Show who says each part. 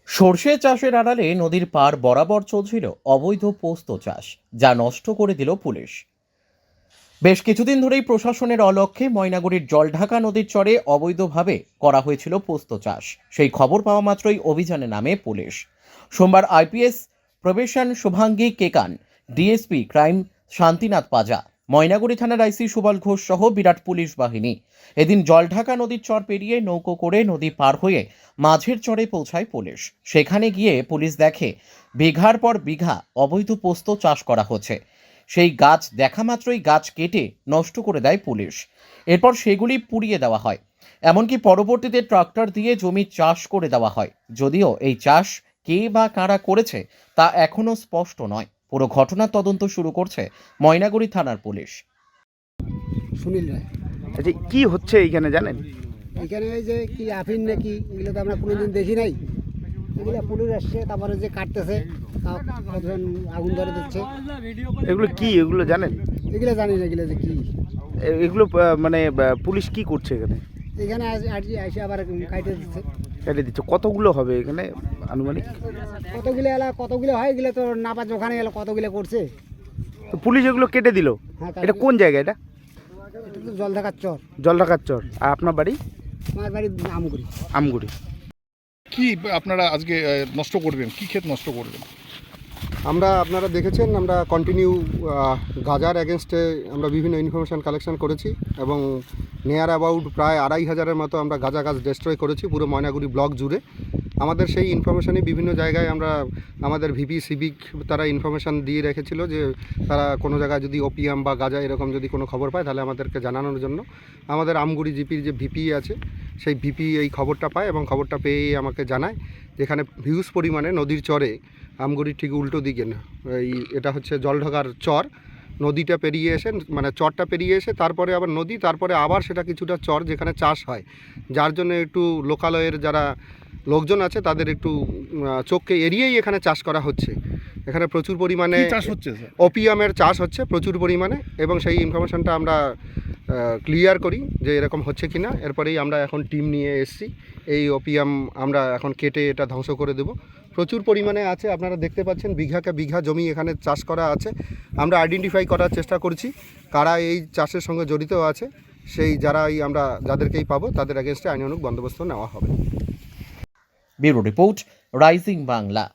Speaker 1: সর্ষে চাষের আড়ালে নদীর পার বরাবর চলছিল অবৈধ পোস্ত চাষ, যা নষ্ট করে দিল পুলিশ। বেশ কিছুদিন ধরেই প্রশাসনের অলক্ষ্যে ময়নাগুড়ির জলঢাকা নদীর চরে অবৈধভাবে করা হয়েছিল পোস্ত চাষ। সেই খবর পাওয়া মাত্রই অভিযানে নামে পুলিশ। সোমবার IPS probation Shubhangi Kekan, DSP crime Shantinath Paja, Maynaguri থানার আইসি সুবল ঘোষ সহ বিরাট পুলিশ বাহিনী এদিন জলঢাকা নদীর চর পেরিয়ে নৌকো করে নদী পার হয়ে মাঝের চরে পৌঁছায় পুলিশ। সেখানে গিয়ে পুলিশ দেখে বিঘার পর বিঘা অবৈধ পোস্ত চাষ করা হচ্ছে। সেই গাছ দেখা মাত্রই গাছ কেটে নষ্ট করে দেয় পুলিশ। এরপর সেগুলি পুড়িয়ে দেওয়া হয়, এমনকি পরবর্তীতে ট্রাক্টর দিয়ে জমি চাষ করে দেওয়া হয়। যদিও এই চাষ কে বা কারা করেছে তা এখনো স্পষ্ট নয়। পুরো ঘটনার তদন্ত শুরু করছে ময়নাগুড়ি থানার পুলিশ।
Speaker 2: সুনীল রায়।
Speaker 3: আচ্ছা, কি হচ্ছে এইখানে জানেন?
Speaker 2: এখানে এই যে কি আফিন নাকি এগুলো তো আমরা কোনোদিন দেখি নাই। এগুলো পুলিশ আসছে, তারপরে যে কাটতেছে, কতজন আগুন ধরে দিচ্ছে।
Speaker 3: এগুলো কি, এগুলো জানেন?
Speaker 2: এগুলো জানি না এগুলো যে কি।
Speaker 3: এগুলো মানে পুলিশ কি করছে এখানে?
Speaker 2: এখানে আসে আবার কাটে দিচ্ছে।
Speaker 3: কেটে দিচ্ছে। কতগুলো হবে এখানে আনুমানিক?
Speaker 2: কতগুলো হয় এগুলো তো না পাচ্ছে, ওখানে গেলে কতগুলো করছে।
Speaker 3: তো পুলিশ এগুলো কেটে দিল।
Speaker 2: হ্যাঁ,
Speaker 3: এটা কোন জায়গা? এটা
Speaker 2: এটা তো জলঢাকার চর।
Speaker 3: জলঢাকার চর। আর আপনার বাড়ি?
Speaker 2: আমার বাড়ি আমগুড়ি।
Speaker 3: আমগুড়ি।
Speaker 4: কি আপনারা আজকে নষ্ট করবেন, কি ক্ষেত নষ্ট করবেন?
Speaker 5: আপনারা দেখেছেন আমরা কন্টিনিউ গাজার এগেনস্টে আমরা বিভিন্ন ইনফরমেশান কালেকশন করেছি এবং নিয়ার অ্যাবাউট প্রায় 2500-এর মতো আমরা গাঁজা গাছ ডিস্ট্রয় করেছি পুরো ময়নাগুড়ি ব্লক জুড়ে। আমাদের সেই ইনফরমেশানই বিভিন্ন জায়গায় আমরা আমাদের ভিপি সিভিক তারা ইনফরমেশান দিয়ে রেখেছিল যে তারা কোনো জায়গায় যদি ওপিয়াম বা গাঁজা এরকম যদি কোনো খবর পায় তাহলে আমাদেরকে জানানোর জন্য। আমাদের আমগুড়ি জিপির যে ভিপি আছে সেই ভিপি এই খবরটা পায় এবং খবরটা পেয়েই আমাকে জানায় যেখানে হিউজ পরিমাণে নদীর চরে, আমগুড়ির ঠিক উল্টো দিকে না, এটা হচ্ছে জলঢাকার চর, নদীটা পেরিয়ে এসে মানে চরটা পেরিয়ে এসে তারপরে আবার নদী, তারপরে আবার সেটা কিছুটা চর যেখানে চাষ হয়, যার জন্য একটু লোকালয়ের যারা লোকজন আছে তাদের একটু চোখকে এড়িয়েই এখানে চাষ করা হচ্ছে। এখানে প্রচুর পরিমাণে
Speaker 4: চাষ হচ্ছে,
Speaker 5: ওপিয়ামের চাষ হচ্ছে প্রচুর পরিমাণে এবং সেই ইনফরমেশনটা আমরা ক্লিয়ার করি যে এরকম হচ্ছে কি না। এরপরেই আমরা এখন টিম নিয়ে এসেছি, এই ওপিয়াম আমরা এখন কেটে এটা ধ্বংস করে দেব। প্রচুর পরিমাণে আছে, আপনারা দেখতে পাচ্ছেন বিঘাকে বিঘা জমি এখানে চাষ করা আছে। আমরা আইডেন্টিফাই করার চেষ্টা করছি কারা এই চাষের সঙ্গে জড়িত আছে, সেই আমরা যাদেরকেই পাবো তাদের এগেনস্টে আইনানুগ বন্দোবস্ত নেওয়া হবে।
Speaker 1: Bureau report, rising Bangla.